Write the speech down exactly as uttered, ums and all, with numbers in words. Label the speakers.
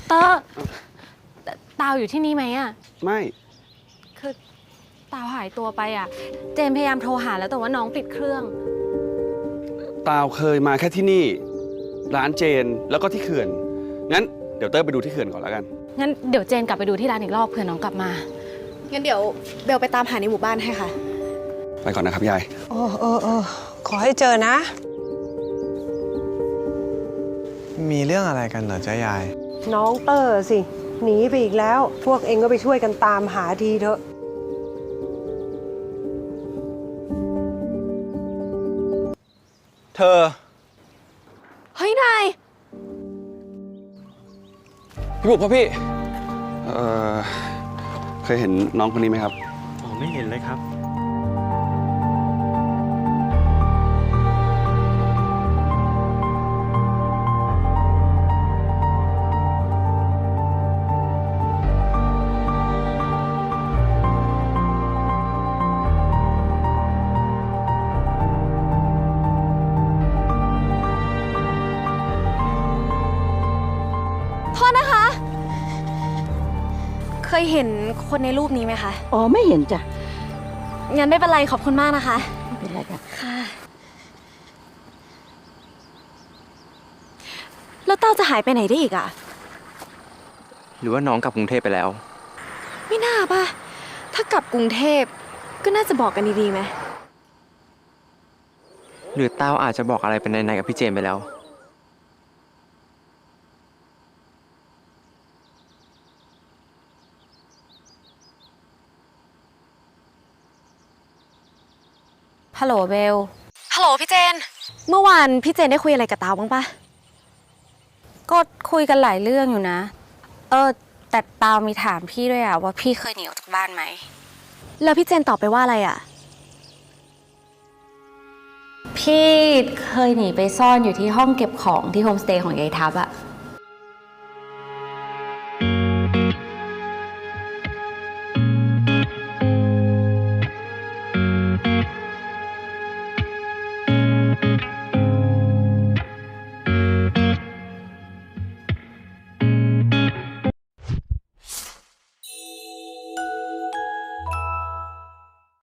Speaker 1: เตอร์ตาวอยู่ที่นี่ไหมอะ
Speaker 2: ไม่
Speaker 1: คือตาวหายตัวไปอะเจนพยายามโทรหาแล้วแต่ว่าน้องปิดเครื่อง
Speaker 2: ตาวเคยมาแค่ที่นี่ร้านเจนแล้วก็ที่เขื่อนงั้นเดี๋ยวเตอร์ไปดูที่เขื่อนก่อนแล้วกัน
Speaker 1: งั้นเดี๋ยวเจนกลับไปดูที่ร้านอีกรอบเผื่อน้องกลับมา
Speaker 3: งั้นเดี๋ยวเบลไปตามหาในหมู่บ้านให้ค่ะ
Speaker 2: ไปก่อนนะครับยาย
Speaker 4: โอ้โอ้โอ้ขอให้เจอนะ
Speaker 5: มีเรื่องอะไรกันเหรอจ๊ะยาย
Speaker 4: น้องเตอร์สิหนีไปอีกแล้วพวกเองก็ไปช่วยกันตามหาทีเถอะ
Speaker 5: เธอ
Speaker 1: เฮ้ยนาย
Speaker 2: พี่บุกพ่อพี่เอ่อเคยเห็นน้องคนนี้ไหมครับ
Speaker 5: อ๋อไม่เห็นเลยครับ
Speaker 1: โทษนะคะเคยเห็นคนในรูปนี้ไหมคะ
Speaker 6: อ๋อไม่เห็นจ้ะ
Speaker 1: งั้นไม่เป็นไรขอบคุณมากนะคะ
Speaker 6: ไม่เป็นไรจ้ะ
Speaker 1: ค่ะแล้วเต้าจะหายไปไหนได้อีกอะ
Speaker 5: หรือว่าน้องกลับกรุงเทพไปแล้ว
Speaker 1: ไม่น่าป่ะถ้ากลับกรุงเทพก็น่าจะบอกกันดีๆไหม
Speaker 5: หรือเต้าอาจจะบอกอะไรเป็นในๆกับพี่เจมไปแล้ว
Speaker 1: ฮัลโหลเบลฮัลโหลพี่เจนเมื่อวานพี่เจนได้คุยอะไรกับตาวบ้างปะก็คุยกันหลายเรื่องอยู่นะเออแต่ตาวมีถามพี่ด้วยอะว่าพี่เคยหนีออกจากบ้านไหมแล้วพี่เจนตอบไปว่าอะไรอะพี่เคยหนีไปซ่อนอยู่ที่ห้องเก็บของที่โฮมสเตย์ของยายทับอะ